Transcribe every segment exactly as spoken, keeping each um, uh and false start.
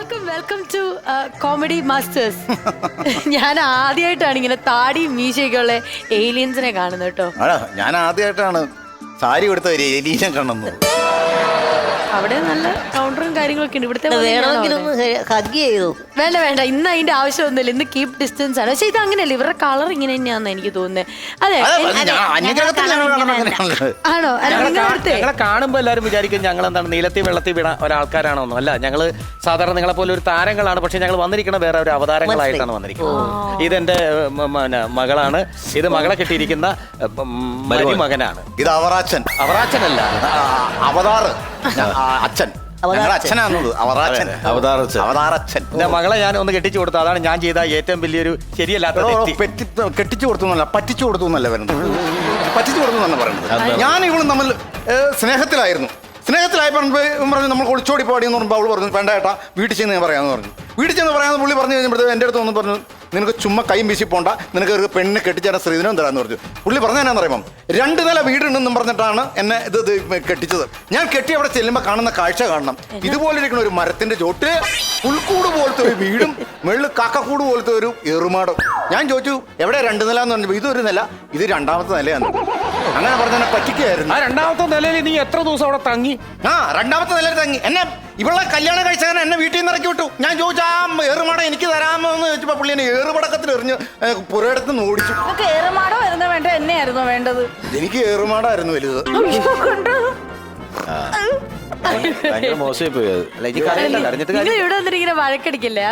Welcome welcome to comedy masters. ഞാൻ ആദ്യമായിട്ടാണ് ഇങ്ങനെ താടിയും മീശയൊക്കെ ഉള്ള ഏലിയൻസിനെ കാണുന്നത് കേട്ടോ. ഞാൻ ആദ്യമായിട്ടാണ് സാരി കൊടുത്ത ഒരു ഏലിയനെ കാണുന്നത്. അവിടെ നല്ല കൗണ്ടറും കാര്യങ്ങളൊക്കെ ഉണ്ട്. ഇവിടുത്തെ വേണ്ട വേണ്ട, ഇന്ന് അതിന്റെ ആവശ്യമൊന്നുമില്ല. ഇന്ന് കീപ് ഡിസ്റ്റൻസ് ആണ്. പക്ഷെ ഇത് അങ്ങനെയല്ല, ഇവരുടെ കളർ ഇങ്ങനെ തന്നെയാന്ന് എനിക്ക് തോന്നുന്നത്. അതെ ആണോ? ഞങ്ങളെ കാണുമ്പോ എല്ലാവരും വിചാരിക്കും ഞങ്ങൾ എന്താണ് നീലത്തി വെള്ളത്തിൽ വീണ ഒരാൾക്കാരാണോന്നോ. അല്ല, ഞങ്ങള് സാധാരണ നിങ്ങളെ പോലെ ഒരു താരങ്ങളാണ്. പക്ഷെ ഞങ്ങൾ വന്നിരിക്കുന്ന വേറെ ഒരു അവതാരങ്ങളായിട്ടാണ് വന്നിരിക്കുന്നത്. ഇതെന്റെ മകളാണ്. ഇത് മകളെ കെട്ടിയിരിക്കുന്ന മകനാണ്. ഇത് അവറാച്ചൻ. അവറാച്ചനല്ല, അവതാറ് അച്ഛൻ. അച്ഛനാണത് അവറാച്ചൻ. അവതാറച്ഛൻ. എന്റെ മകളെ ഞാൻ ഒന്ന് കെട്ടിച്ചു കൊടുത്തു. അതാണ് ഞാൻ ചെയ്ത ഏറ്റവും വലിയൊരു ശരിയല്ലാത്ത. കെട്ടിച്ചു കൊടുത്തു എന്നല്ല, പറ്റിച്ചു കൊടുത്തു എന്നല്ല വരുന്നത്. പറ്റിച്ചു കൊടുത്തു എന്നാണ് പറയുന്നത്. ഞാൻ ഇവളും തമ്മിൽ സ്നേഹത്തിലായിരുന്നു. സ്നേഹത്തിലായി പറഞ്ഞപ്പോൾ പറഞ്ഞു നമ്മൾ ഒളിച്ചോടി പാടിയെന്ന് പറയുമ്പോൾ അവൾ പറഞ്ഞു വേണ്ട ഏട്ടാ വീട്ടിൽ ചെന്ന് ഞാൻ പറയാമെന്ന് പറഞ്ഞു. വീട്ടിൽ ചെന്ന് പറയാമെന്ന് പുള്ളി പറഞ്ഞു കഴിഞ്ഞപ്പോഴത്തേക്ക് എൻ്റെ അടുത്ത് വന്ന് പറഞ്ഞു നിനക്ക് ചുമ്മാ കൈയും വീശി പോണ്ട, നിനക്ക് ഒരു പെണ്ണിനെ കെട്ടിച്ചാൽ സ്ത്രീധനം തരാമെന്ന് പറഞ്ഞു. പുള്ളി പറഞ്ഞ എന്നാന്ന് പറയുമ്പം രണ്ട് നില വീടുണ്ടെന്നും പറഞ്ഞിട്ടാണ് എന്നെ ഇത് ഇത് കെട്ടിച്ചത്. ഞാൻ കെട്ടി അവിടെ ചെല്ലുമ്പോൾ കാണുന്ന കാഴ്ച കാണണം. ഇതുപോലെ ഇരിക്കുന്ന ഒരു മരത്തിന്റെ ചോട്ട്, പുൽക്കൂട് പോലത്തെ ഒരു വീടും മുകളിൽ കാക്കക്കൂട് പോലത്തെ ഒരു ഏറുമാടും. ഞാൻ ചോദിച്ചു എവിടെ രണ്ട് നില എന്ന് പറഞ്ഞപ്പോൾ ഇതൊരു നില, ഇത് രണ്ടാമത്തെ നിലയാണ്. അങ്ങനെ പറഞ്ഞ പറ്റിക്കായിരുന്നു. ആ രണ്ടാമത്തെ നിലയിൽ നീ എത്ര ദിവസം അവിടെ തങ്ങി? ആ രണ്ടാമത്തെ നിലയിൽ തങ്ങി. എന്നെ ഇവളെ കല്യാണം കഴിച്ചാൽ എന്നെ വീട്ടിൽ നിന്ന് ഇറക്കി വിട്ടു. ഞാൻ ചോദിച്ചു ആ ഏറുമാട എനിക്ക് തരാമോ എന്ന് ചോദിച്ചപ്പോൾ പുള്ളി എന്നെ ഏറുപടക്കത്തിൽ എറിഞ്ഞ് പുരയിടത്ത് നിന്ന് ഓടിച്ചു. ഏറുമാടോ വരുന്ന വേണ്ട എന്നെയായിരുന്നു വേണ്ടത്. എനിക്ക് ഏറുമാടായിരുന്നു വലുത്. മോശമായി പോയത്. ഇവിടെ വന്നിട്ട് ഇങ്ങനെ വഴക്കടിക്കല്ലേ?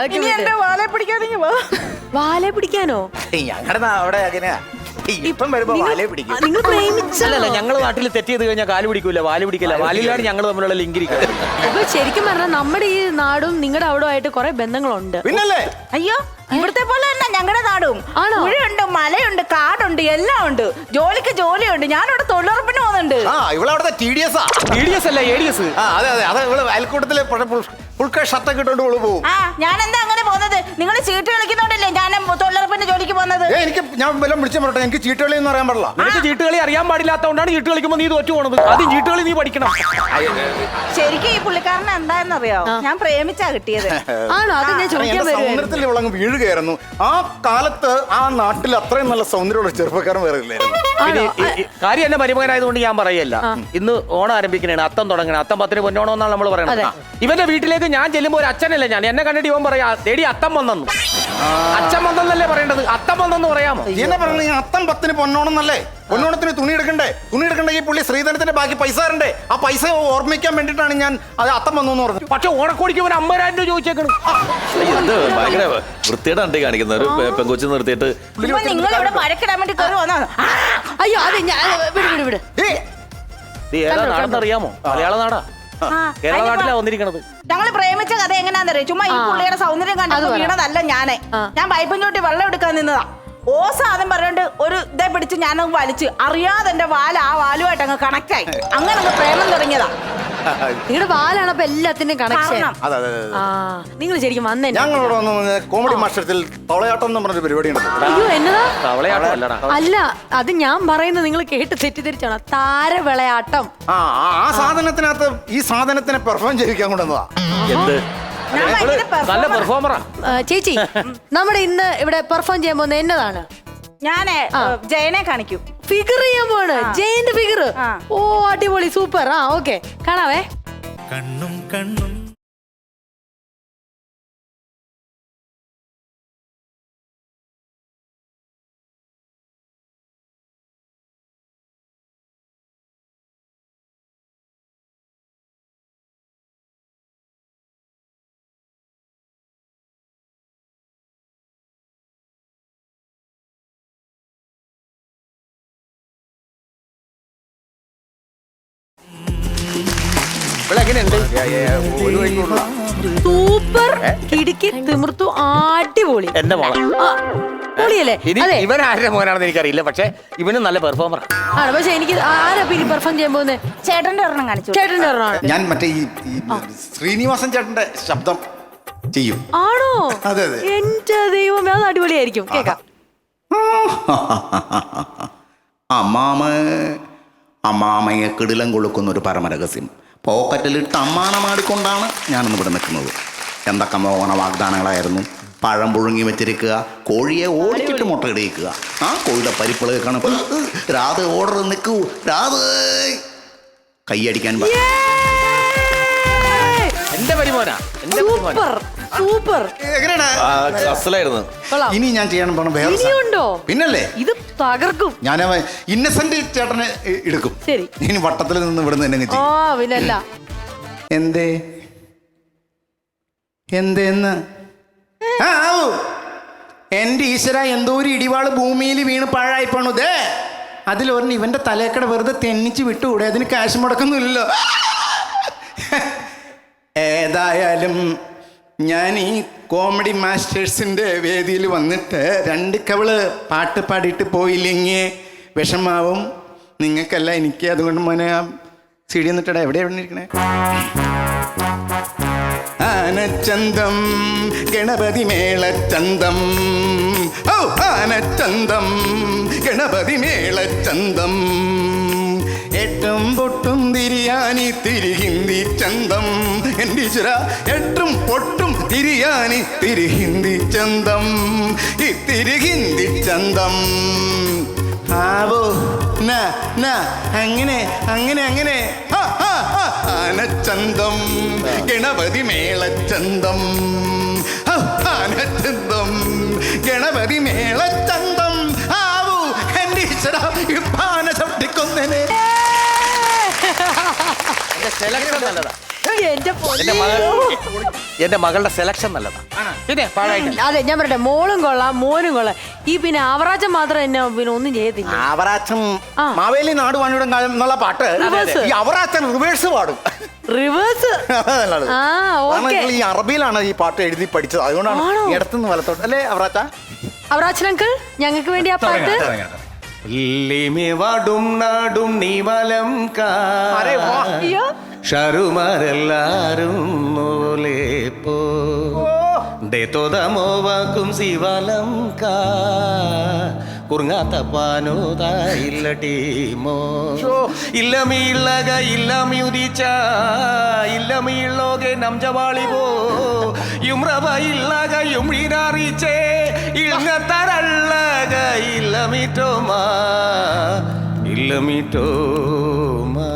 വാലെ പിടിക്കാനോ? ഞങ്ങളുടെ അവിടെ അങ്ങനെയാ. ഇപ്പം വരുമ്പോ വാലേ പിടിക്കും. നിങ്ങൾ പ്രേമിച്ചല്ല? ഞങ്ങള് നാട്ടിൽ തെറ്റ് ചെയ്ത് കഴിഞ്ഞാൽ കാല് പിടിക്കൂല, വാല് പിടിക്കില്ല. വാലിലാണ് ഞങ്ങൾ തമ്മിലുള്ള ലിങ്ക് ഇരിക്കുന്നത്. അപ്പൊ ശരിക്കും പറഞ്ഞാൽ നമ്മുടെ ഈ നാടും നിങ്ങളുടെ അവിടെ ആയിട്ട് കുറെ ബന്ധങ്ങളുണ്ട്. പിന്നല്ലേ? അയ്യോ, ഇവിടുത്തെ പോലെ തന്നെ ഞങ്ങളുടെ നാടും. പുഴയുണ്ട്, മലയുണ്ട്, കാടുണ്ട്, എല്ലാം ഉണ്ട്. ജോലിക്ക് ജോലിയുണ്ട്. ഞാനിവിടെ തൊഴിലുറപ്പിന് പോകുന്നുണ്ട്. ആ ഇവളവിടുത്തെ T D S T D S അല്ല എ ഡി എസ്. അതെ അതെ അതെ. ഇവള് അയൽക്കൂട്ടത്തിലെ ഫുൾക്കെ ഷർട്ടൊക്കെ ഇട്ടോണ്ട് ഇവള് പോകും. ആ ഞാൻ എന്താ അങ്ങനെ പോകുന്നത്? നിങ്ങൾ ചീട്ട് കളിക്കുന്നോണ്ടല്ലേ ഞാൻ തൊഴിലുറപ്പിന്റെ ജോലിക്ക് പോകുന്നത്. എനിക്ക് ഞാൻ വല്ലതും വിളിച്ചു പറയട്ടെ, എനിക്ക് ചീട്ടുകളി എന്ന് അറിയാൻ പാടില്ല. നിനക്ക് ചീട്ടുകളി അറിയാൻ പാടില്ലാത്തതുകൊണ്ടാണ് ചീട്ട് കളിക്കുമ്പോൾ നീ തോറ്റു പോണത്. ആദ്യം ചീട്ടുകളി നീ പഠിക്കണം. ശരിക്കും ഈ പുള്ളിക്കാരനെ എന്താണെന്നറിയോ? ഞാൻ പ്രേമിച്ചാ കിട്ടിയത്. ആണോ? അത് ഞാൻ ചോദിക്കാൻ സൗന്ദര്യത്തിൽ ഇവളങ്ങ് വീഴുകയായിരുന്നു. ആ കാലത്ത് ആ നാട്ടിൽ അത്രയും നല്ല സൗന്ദര്യമുള്ള ചെറുപ്പക്കാരൻ വേറെ ഇല്ലായിരുന്നു. കാര്യം എന്നെ മരുമകനായതുകൊണ്ട് ഞാൻ പറയല്ല. ഇന്ന് ഓണം ആരംഭിക്കണേ, അത്തം തുടങ്ങണേ. അത്തം പത്തിന് പൊന്നോണം എന്നാണ് നമ്മൾ പറയണത്. ഇവന്റെ വീട്ടിലേക്ക് ഞാൻ ചെല്ലുമ്പോൾ ഒരു അച്ഛനല്ല ഞാൻ. എന്നെ കണ്ടിട്ട് ഇവൻ പറയാ തേടി അത്തം വന്നു. അച്ഛൻ വന്നല്ലേ പറയേണ്ടത്, അത്തം വന്നെന്ന് പറയാമോ? എന്നെ പറഞ്ഞ അത്തം പത്തിന് പൊന്നോണം എന്നല്ലേ? പൊന്നോണത്തിന് തുണി എടുക്കണ്ടേ? തുണി എടുക്കണ്ടെങ്കിൽ പുള്ളി ശ്രീധനത്തിന്റെ ബാക്കി പൈസ തരണ്ടേ? ആ പൈസ ഓർമ്മിക്കാൻ വേണ്ടിട്ടാണ് ഞാൻ അത് അത്തം വന്നു എന്ന് പറഞ്ഞു. പക്ഷെ ഓണക്കോടിക്ക് ഇവൻ അമ്പതിനായിരം രൂപ ചോദിച്ചേക്കണം. ഭയങ്കര വൃത്തിയുടെ ഉണ്ട് കാണിക്കുന്ന ഒരു പെങ്കൊച്ചു നിർത്തിയിട്ട് നിങ്ങൾ ഇവിടെ മഴക്കിടാൻ വേണ്ടി കയറി വന്നാണ്. അയ്യോ അതെ, ഞാൻ വിട് വിട് വിട്. ഏതാ നാടെന്നറിയാമോ? മലയാള നാടാ, കേരള നാട്ടിലാ വന്നിരിക്കണത്. ഞങ്ങള് പ്രേമിച്ച കഥ എങ്ങനെയാണെന്നറിയോ? ചുമ്മാ ഈ പുള്ളിയുടെ സൗന്ദര്യം കണ്ടത് വീണതല്ല ഞാനേ. ഞാൻ പൈപ്പും ചോട്ടി വെള്ളം എടുക്കാൻ നിന്നതാ. ഓസ ആദ്യം പറഞ്ഞോണ്ട് ഒരു ഇതേ പിടിച്ച് ഞാനങ്ങ് വലിച്ച് അറിയാതെ എന്റെ വാല ആ വാലുമായിട്ട് അങ്ങ് കണക്ട് ആയി. അങ്ങനെ അങ്ങ് പ്രേമം തുടങ്ങിയതാ. നിങ്ങളുടെ വാലാണ് അപ്പൊ എല്ലാത്തിനും കണക്ഷൻ. നിങ്ങൾ ശരിക്കും വന്നേ. ഞങ്ങളോട് വന്ന് കോമഡി മാസ്റ്റേഴ്സിൽ തവളയാട്ടം എന്ന് പറഞ്ഞൊരു പരിപാടി ഉണ്ട്. അയ്യോ എന്നതാ? തവളയാട്ടം അല്ലടാ. അല്ല, അത് ഞാൻ പറയുന്നത് നിങ്ങൾ കേട്ട് തെറ്റിദ്ധരിച്ചാണ്. താരവിളയാട്ടം. ആ ആ സാധനത്തിനകത്ത് ഈ സാധനത്തിനെ പെർഫോം ചെയ്യിക്കാൻ കൊണ്ടുവന്നതാ. എന്ത് നല്ല പെർഫോമറാ ചേച്ചി. നമ്മുടെ ഇന്ന് ഇവിടെ പെർഫോം ചെയ്യാൻ പോകുന്നത് എന്നതാണ്? ഞാനേ ജയനെ കാണിക്കും. ഫിഗർ ചെയ്യാൻ പോണ്. ജയന്റെ ഫിഗർ. ഓ അടിപൊളി, സൂപ്പർ. ആ ഓക്കെ, കാണാവേ. കണ്ണും കണ്ണും സൂപ്പർ, കിടുക്കി, തിമിർത്തു, അടിപൊളി. എന്റെ മോളെ പൊളിയല്ലേ? ഇവൻ ആരുടെ മോനാണെന്ന് എനിക്കറിയില്ല, പക്ഷെ ഇവന് നല്ല പെർഫോമർ ആണ്. പക്ഷെ എനിക്ക് ആരാ പിന്നെ പെർഫോം ചെയ്യാൻ പോകുന്നത്? ചേട്ടന്റെ ഒരെണ്ണം കാണിച്ചു. ചേട്ടന്റെ ഒരെണ്ണം. ഞാൻ മറ്റേ ഈ ശ്രീനിവാസൻ ചേട്ടന്റെ ശബ്ദം ചെയ്യും. ആണോ? അതെ അതെ. എന്റെ ദൈവമേ, അത് അടിപൊളിയായിരിക്കും. കേക്കാം. അമ്മാമ അമ്മാമയെ കിടിലം കൊളുക്കുന്ന ഒരു പരമരഹസ്യം പോക്കറ്റിലിട്ട് അമ്മാനമാടിക്കൊണ്ടാണ് ഞാനിന്ന് ഇവിടെ നിൽക്കുന്നത്. എന്തൊക്കെ മോഹന വാഗ്ദാനങ്ങളായിരുന്നു. പഴം പുഴുങ്ങി വെച്ചിരിക്കുക, കോഴിയെ ഓടിച്ചിട്ട് മുട്ടയിടിക്കുക, ആ കോഴിയുടെ പരിപ്പിള കേൾക്കണം. രാധ ഓർഡർ നിൽക്കൂ, രാധ കൈയടിക്കാൻ പ- എന്റെ പരിമോന എന്റെ പരിമോന സൂപ്പർ സൂപ്പർ. എങ്ങനെയാണ്? അസലായിരുന്നു. കൊള്ളാം. ഇനി ഞാൻ ചെയ്യാൻ പോണ വേറെ സാധനം. ഇനിയുണ്ടോ? പിന്നല്ലേ ഇത് തകർക്കും. ഞാൻ ഇന്നസെന്റ് ചേട്ടനെ എ- എടുക്കും. ശരി. ഇനി വട്ടത്തിൽ നിന്ന് ഇവിടുന്ന് എന്നെ ആ ചെയ്യും. പിന്നല്ല. എന്തേ എന്തേന്ന് ആ ആവൂ. എന്റെ ഈശ്വര, എന്തോ ഒരു ഇടിവാള് ഭൂമിയിൽ വീണ് പാഴായി പോണു. ദേ അതിലൊരെണ്ണം ഇവന്റെ തലേക്കട വെറുതെ തെന്നിച്ച് വിട്ടുകൂടെ? അതിന് കാശ് മുടക്കൊന്നുമില്ലല്ലോ. ഏതായാലും ഞാൻ ഈ കോമഡി മാസ്റ്റേഴ്സിന്റെ വേദിയിൽ വന്നിട്ട് രണ്ട് കവള് പാട്ട് പാടിയിട്ട് പോയില്ലെങ്കിൽ വിഷമാവും നിങ്ങൾക്കല്ല എനിക്ക്. അതുകൊണ്ട് മോനെ ആ സി ഡി എന്നിട്ടടാ എവിടെ എവിടെ ഇരിക്കണേ? ആനച്ചന്തം ഗണപതി മേളച്ചന്തം, ഓ ആനച്ചന്തം ഗണപതി മേളച്ചന്തം, എട്ടും പൊട്ടും തിരിയാനി തിരിഹിന്ദി ചന്തം, എൻ്റെ ഈശ്വര എട്ടും പൊട്ടും തിരിയാനി തിരിഹിന്ദി ചന്തം, ഈ തിരിഹിന്ദി ചന്തം. ആവോ ന ന അങ്ങനെ അങ്ങനെ അങ്ങനെ ആ, ആ, ആ, ആനച്ചന്തം ഗണപതി മേളച്ചന്തം, ആ, ആനച്ചന്തം ഗണപതി മേളച്ചന്തം. ആവൂ എൻ്റെ ഈശ്വര ഇപ്പാന ചവിട്ടിക്കൊന്നനെ. എന്റെ സെലക്ഷൻ നല്ലതാ. എന്റെ എന്റെ മകൾ എന്റെ മകളുടെ സെലക്ഷൻ നല്ലതാ. പിന്നെ പാഴായിട്ടില്ല. അതെ ഞാൻ പറയട്ടെ, മോളും കൊള്ളാം മോനും കൊള്ളാം. ഈ പിന്നെ ആവറാച്ചം മാത്രം എന്നെ പിന്നെ ഒന്നും ചെയ്യത്തില്ല. അവറാച്ചൻ ആ. മാവേലി നാട് വാണിയുടെ കാലം എന്നുള്ള പാട്ട് റിവേഴ്സ്. ഈ അവറാച്ചൻ റിവേഴ്സ് പാടും. റിവേഴ്സ്. അതല്ലത്. ആ കാരണം ഓക്കെ. ഈ അറബിയിലാണ് ഈ പാട്ട് എഴുതി പഠിച്ചത്. അതുകൊണ്ടാണ് ആണോ? ഇടത്തുനിന്ന് വലത്തോട്ട് അല്ലേ അവറാച്ച? അവറാച്ചൻ അങ്കിൾ ഞങ്ങൾക്ക് വേണ്ടി ആ പാട്ട്. വാടും നാടും നീവലം അരേ വാ. അയ്യോ ഷറുമാരെല്ലാരും മൂലെ പോ തോതമോവാക്കും ശിവലം കാ കുറുങ്ങാത്ത പാനോതാ ഇല്ല ടീമോ ഇല്ലമീളക ഇല്ലമ്യുദിച്ച ഇല്ലമീളോകെ നംജവാളിവോ യുമ്രവ ഇല്ലക യുമ്രിനാറിച്ചേ ഇങ്ങത്തരള്ളക ഇല്ലമിറ്റോമാ ഇല്ലമിറ്റോമാ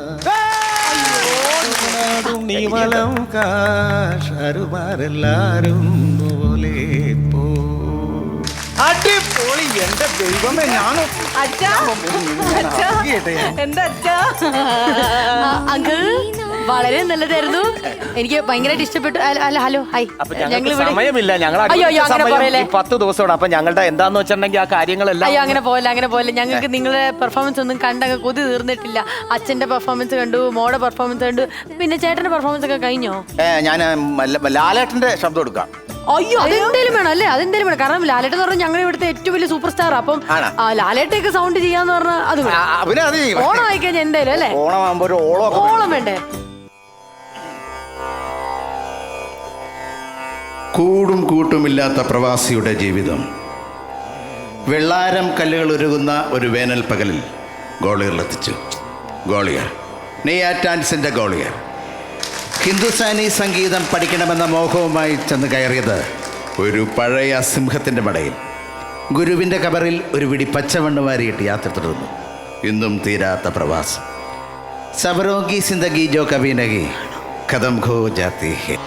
നീവലം കാശരുമാരെല്ലാരും പോലെ പോ. അടിപൊളി. എന്റെ ദൈവമേ, ഞാനും അച്ഛാ അച്ഛാ എന്താ അച്ഛാ? അങ്കിൾ വളരെ നല്ലതായിരുന്നു. എനിക്ക് ഭയങ്കരമായിട്ട് ഇഷ്ടപ്പെട്ടു. അല്ല അല്ല, ഹലോ ഹായ്. അപ്പൊ ഞങ്ങൾക്ക് സമയമില്ല. ഞങ്ങൾ അയ്യോ അയ്യോ അങ്ങനെ പറയല്ലേ. പത്ത് ദിവസമാണ്. അപ്പൊ ഞങ്ങളുടെ എന്താന്ന് വെച്ചിട്ടുണ്ടെങ്കിൽ ആ കാര്യങ്ങളെല്ലാം അയ്യോ അങ്ങനെ പോലെ അങ്ങനെ പോലെ ഞങ്ങൾക്ക് നിങ്ങളുടെ പെർഫോമൻസ് ഒന്നും കണ്ടങ്ങ് കൊതി തീർന്നിട്ടില്ല. അച്ഛന്റെ പെർഫോമൻസ് കണ്ടു, മോടെ പെർഫോമൻസ് കണ്ടു, പിന്നെ ചേട്ടന്റെ പെർഫോമൻസ് ഒക്കെ കഴിഞ്ഞോ? ഞാൻ ലാലേട്ടന്റെ ശബ്ദം എടുക്കാം. അയ്യോ അതെന്തേലും വേണം അല്ലേ? അതെന്തേലും വേണം. കാരണം ലാലേട്ടൻ എന്ന് പറഞ്ഞാൽ ഞങ്ങളുടെ ഇവിടുത്തെ ഏറ്റവും വലിയ സൂപ്പർ സ്റ്റാർ. അപ്പം ആണോ? ലാലേട്ടൊക്കെ സൗണ്ട് ചെയ്യാന്ന് പറഞ്ഞാൽ അത് വേണം. ആ, പിന്നെ അത് ചെയ്യും. ഓണം ആയിക്കഴിഞ്ഞാൽ എന്തായാലും അല്ലേ? ഓണമാകുമ്പോ ഒരു ഓളം ഒക്കെ ഓളം വേണ്ടേ? കൂടും കൂട്ടുമില്ലാത്ത പ്രവാസിയുടെ ജീവിതം. വെള്ളാരം കല്ലുകൾ ഉരുകുന്ന ഒരു വേനൽ പകലിൽ ഗോളിയറിലെത്തിച്ചു. ഗോളിയർ നെയ്യാറ്റാൻസിൻ്റെ ഗോളിയർ ഹിന്ദുസ്ഥാനി സംഗീതം പഠിക്കണമെന്ന മോഹവുമായി ചെന്ന് കയറിയത് ഒരു പഴയ സിംഹത്തിൻ്റെ മടയിൽ. ഗുരുവിൻ്റെ കബറിൽ ഒരു പിടി പച്ചമണ്ണ് വാരിയിട്ട് യാത്ര തുടർന്നു. ഇന്നും തീരാത്ത പ്രവാസം. സബരോഗി സിന്ദഗി ജോ കബി നഹി ഖതം ഖോ ജാതി ഹെ.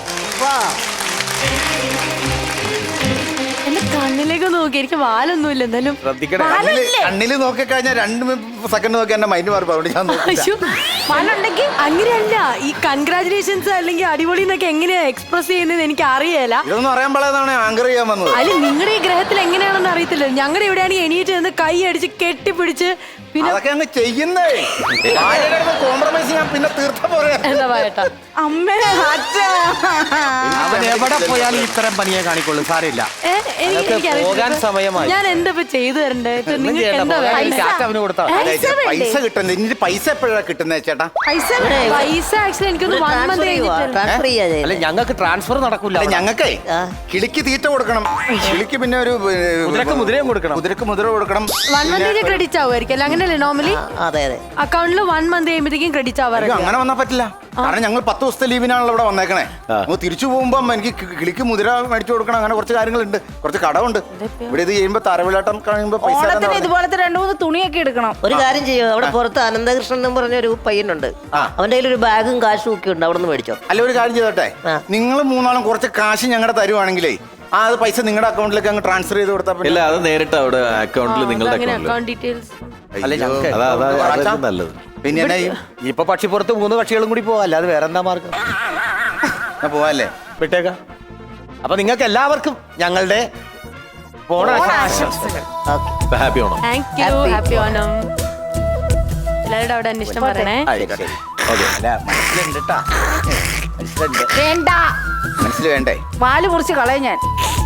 എന്റെ കണ്ണിലേക്ക് നോക്കി. എനിക്ക് വാലൊന്നുമില്ല എന്നാലും. ശ്രദ്ധിക്കണേ. കണ്ണില് കണ്ണില് നോക്കിക്കഴിഞ്ഞാൽ രണ്ട് സെക്കൻഡ് നോക്കി എന്റെ മൈൻഡ് മാറി. അതുകൊണ്ട് ഞാൻ നോക്കില്ല. അയ്യോ, വാലുണ്ടെങ്കിൽ അങ്ങനെയല്ല. ഈ കൺഗ്രാചുലേഷൻസ് അല്ലെങ്കിൽ അടിപൊളി എന്നൊക്കെ എങ്ങനെയാ എക്സ്പ്രസ് ചെയ്യുന്നത് എനിക്ക് അറിയേല. ഇതൊന്നും അറിയാൻ പാടാതാണ് ആങ്കർ ചെയ്യാൻ വന്നത്. അല്ല നിങ്ങളുടെ ഈ ഗ്രഹത്തിൽ എങ്ങനെയാണെന്ന് അറിയത്തില്ല. ഞങ്ങളുടെ ഇവിടെയാണെങ്കിൽ എണീറ്റ് നിന്ന് കൈ അടിച്ച് കെട്ടിപ്പിടിച്ച് പിന്നെ അതൊക്കെ അങ്ങ് ചെയ്യുന്നേ. കോംപ്രമൈസ് ഞാൻ പിന്നെ തീർത്ത പോലെ. എന്താ പറയട്ടാ. അമ്മേ അച്ഛാ അവൻ എവിടെ പോയാലും ഇത്തരം പണിയെ കാണിക്കൊള്ളു. സാരമില്ല. ഏ, എനിക്ക് അതൊക്കെ എനിക്കറിയത്തില്ല. പോകാൻ സമയമായി. ഞാൻ എന്താ ഇപ്പൊ ചെയ്തു തരണ്ടേ? ഇപ്പൊ ഒന്നും നിങ്ങൾക്ക് ചെയ്യണ്ട. എന്താ പോകാൻ വേണ്ടേ? കാശ് അവന് കൊടുത്താ മതി. പൈസ വേണ്ടേ? പൈസ കിട്ടുന്നത് ഇനി പൈസ എപ്പോഴാണ് കിട്ടുന്നത് ചേട്ടാ? പൈസ വേണേ? പൈസ ആക്ച്വലി എനിക്കൊന്ന് വൺ മന്ത് കഴിഞ്ഞിട്ട്. അല്ല ഞങ്ങൾക്ക് ട്രാൻസ്ഫർ നടക്കൂല. അല്ല ഞങ്ങൾക്കേ കിളിക്ക് തീറ്റ കൊടുക്കണം. കിളിക്ക് പിന്നെ ഒരു ഏ, കുതിരക്ക് മുതിരയും കൊടുക്കണം. കുതിരക്ക് മുതിര കൊടുക്കണം. വൺ മന്ത് ക്രെഡിറ്റ് ആവുമായിരിക്കും അല്ല? അങ്ങനെയല്ലേ നോർമലി അതെ അതെ അക്കൗണ്ടിൽ വൺ മന്ത് കഴിയുമ്പോഴത്തേക്കും ക്രെഡിറ്റ് അയ്യോ, ആവാറില്ല. അങ്ങനെ വന്നാൽ പറ്റില്ല. കാരണം ഞങ്ങൾ പത്ത് ദിവസത്തെ ലീവിനാണല്ലോ ഇവിടെ വന്നേക്കണേ നമുക്ക് തിരിച്ചു പോകുമ്പോൾ എനിക്ക് കി- കിളിക്ക് മുതിര മേടിച്ചു കൊടുക്കണം, അങ്ങനെ കുറച്ച് കാര്യങ്ങളുണ്ട്, കുറച്ച് കടമുണ്ട്. ഇവിടെ ഇത് ചെയ്യുമ്പോ താരവിളാട്ടം കഴിയുമ്പോ പൈസ തരാന്ന് ഓണത്തിന് പറഞ്ഞു. ഇതുപോലത്തെ രണ്ടു മൂന്ന് തുണിയൊക്കെ എടുക്കണം. ഒരു കാര്യം ചെയ്യും, അവിടെ പുറത്ത് അനന്തകൃഷ്ണൻ എന്ന് പറഞ്ഞ ഒരു പയ്യനുണ്ട്, അവന്റെ കയ്യിൽ ഒരു ബാഗും കാശും ഒക്കെ ഉണ്ട്, അവിടെ നിന്ന് മേടിച്ചോ. അല്ല ഒരു കാര്യം ചെയ്തോട്ടെ, നിങ്ങൾ മൂന്നാളും കുറച്ച് കാശ് ഞങ്ങളുടെ തരുവാണെങ്കിലേ ആ അത് പൈസ നിങ്ങളുടെ അക്കൗണ്ടിലേക്ക് അങ്ങ് ട്രാൻസ്ഫർ ചെയ്ത് കൊടുത്താൽ പിന്നെ- ഇല്ല അത് നേരിട്ട് അവിടെ അക്കൗണ്ടിൽ നിങ്ങളുടെ അങ്ങനെ അക്കൗണ്ടിൽ അക്കൗണ്ട് ഡീറ്റെയിൽസ്. അല്ല ഞങ്ങൾക്ക് അതാ അതാ അച്ഛാ. അതായിരിക്കും നല്ലത്. പിന്നെ എന്നാ ചെയ്യും? ഇപ്പൊ പക്ഷിപ്പുറത്ത് മൂന്ന് പക്ഷികളും കൂടി പോവാ, അല്ലാതെ വേറെ എന്താ മാർഗം? എന്നാ പോവാല്ലേ? വിട്ടേക്ക. അപ്പൊ നിങ്ങൾക്ക് എല്ലാവർക്കും ഞങ്ങളുടെ ഓണാശംസകൾ. Happy Onam. Thank you. Happy Onam. എല്ലാവരുടെ അവിടെ അന്വേഷണം പറയണേ. ശരി. ഓക്കേ. അല്ല, മനസ്സിലുണ്ട് ട്ടാ. മനസ്സിലുണ്ട്. വേണ്ട, മനസ്സിൽ വേണ്ടേ? വാല് മുറിച്ച് കളയും ഞാൻ.